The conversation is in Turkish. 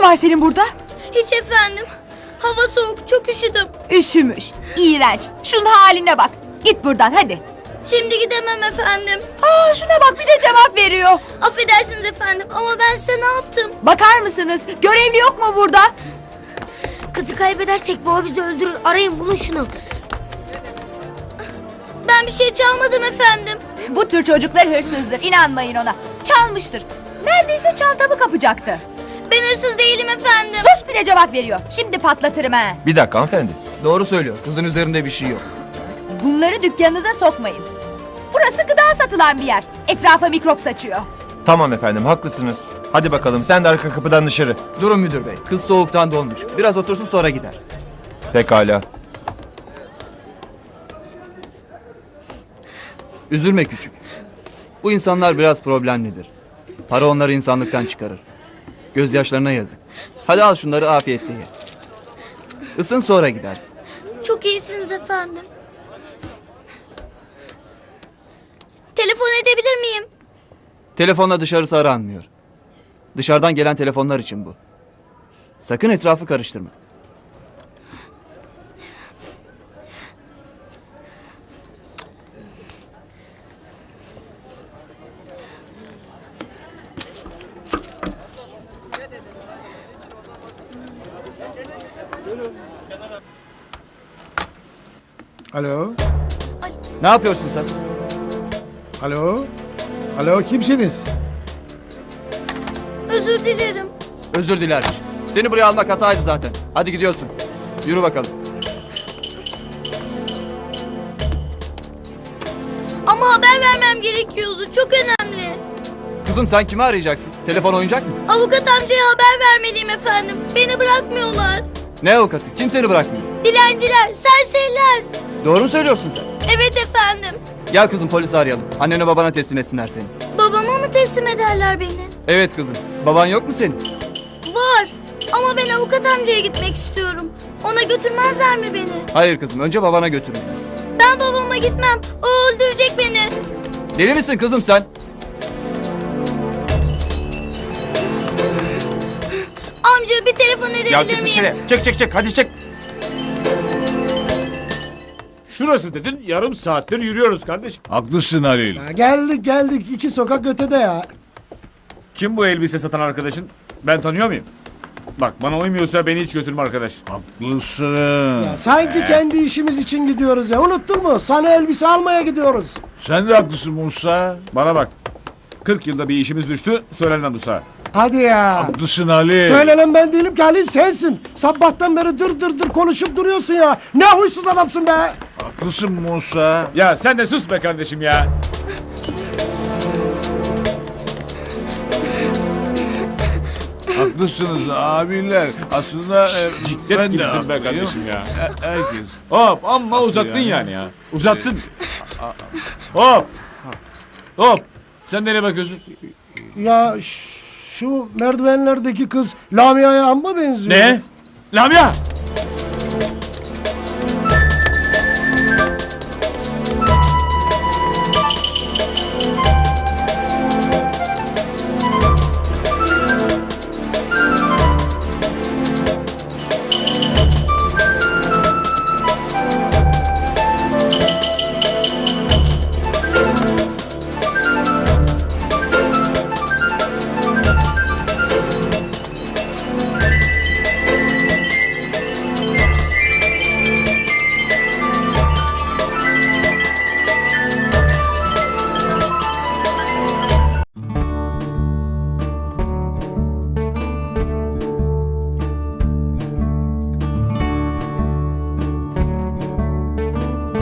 var senin burada? Hiç efendim. Hava soğuk, çok üşüdüm. Üşümüş. İğrenç. Şunun haline bak. Git buradan hadi. Şimdi gidemem efendim. Şuna bak bir de cevap veriyor. Affedersiniz efendim ama ben size ne yaptım? Bakar mısınız? Görevli yok mu burada? Kızı kaybedersek baba bizi öldürür. Arayın bulun şunu. Ben bir şey çalmadım efendim. Bu tür çocuklar hırsızdır. İnanmayın ona. Çalmıştır. Neredeyse çantamı kapacaktı. Ben hırsız değilim efendim. Sus bir de cevap veriyor. Şimdi patlatırım ha. Bir dakika hanımefendi. Doğru söylüyor. Kızın üzerinde bir şey yok. Bunları dükkanınıza sokmayın. Burası gıda satılan bir yer. Etrafa mikrop saçıyor. Tamam efendim haklısınız. Hadi bakalım sen de arka kapıdan dışarı. Durun müdür bey. Kız soğuktan donmuş. Biraz otursun sonra gider. Pekala. Üzülme küçük. Bu insanlar biraz problemlidir. Para onları insanlıktan çıkarır. Gözyaşlarına yazık. Hadi al şunları afiyetle ye. Isın sonra gidersin. Çok iyisiniz efendim. Telefon edebilir miyim? Telefonla dışarısı aranmıyor. Dışarıdan gelen telefonlar için bu. Sakın etrafı karıştırma. Alo? Ne yapıyorsun sen? Alo? Alo kimsiniz? Özür dilerim. Özür dilermiş. Seni buraya almak hataydı zaten. Hadi gidiyorsun. Yürü bakalım. Ama haber vermem gerekiyordu. Çok önemli. Kızım sen kimi arayacaksın? Telefon oyuncak mı? Avukat amcaya haber vermeliyim efendim. Beni bırakmıyorlar. Ne avukatı? Kim seni bırakmıyor? Dilenciler, serseriler. Doğru mu söylüyorsun sen? Evet efendim. Gel kızım polisi arayalım. Annene babana teslim etsinler seni. Babama mı teslim ederler beni? Evet kızım. Baban yok mu senin? Var. Ama ben avukat amcaya gitmek istiyorum. Ona götürmezler mi beni? Hayır kızım. Önce babana götürün. Ben babama gitmem. O öldürecek beni. Deli misin kızım sen? Amca bir telefon edebilir Ya çık miyim? dışarı. Çık hadi çık. Şurası dedin, yarım saattir yürüyoruz kardeşim. Haklısın Halil. Ya geldik 2 sokak ötede ya. Kim bu elbise satan arkadaşın? Ben tanıyor muyum? Bak bana uymuyorsa beni hiç götürme arkadaş. Haklısın. Ya sanki kendi işimiz için gidiyoruz ya. Unuttun mu? Sana elbise almaya gidiyoruz. Sen de haklısın Musa. Bana bak. 40 yılda bir işimiz düştü, söylenmem bu saat. Hadi ya. Haklısın Halil. Söylenen ben değilim ki Halil sensin. Sabahtan beri dır konuşup duruyorsun ya. Ne huysuz adamsın be. Haklısın Musa. Ya sen de sus be kardeşim ya. Haklısınız abiler. Aslında Ciklet ben de gibisin be haklıyım. kardeşim ya. Herkes. Hop amma uzattın yani ya. Uzattın. Hop. Hop. Sen nereye bakıyorsun? Ya şu merdivenlerdeki kız Lamia'ya amma benziyor. Ne? Lamia!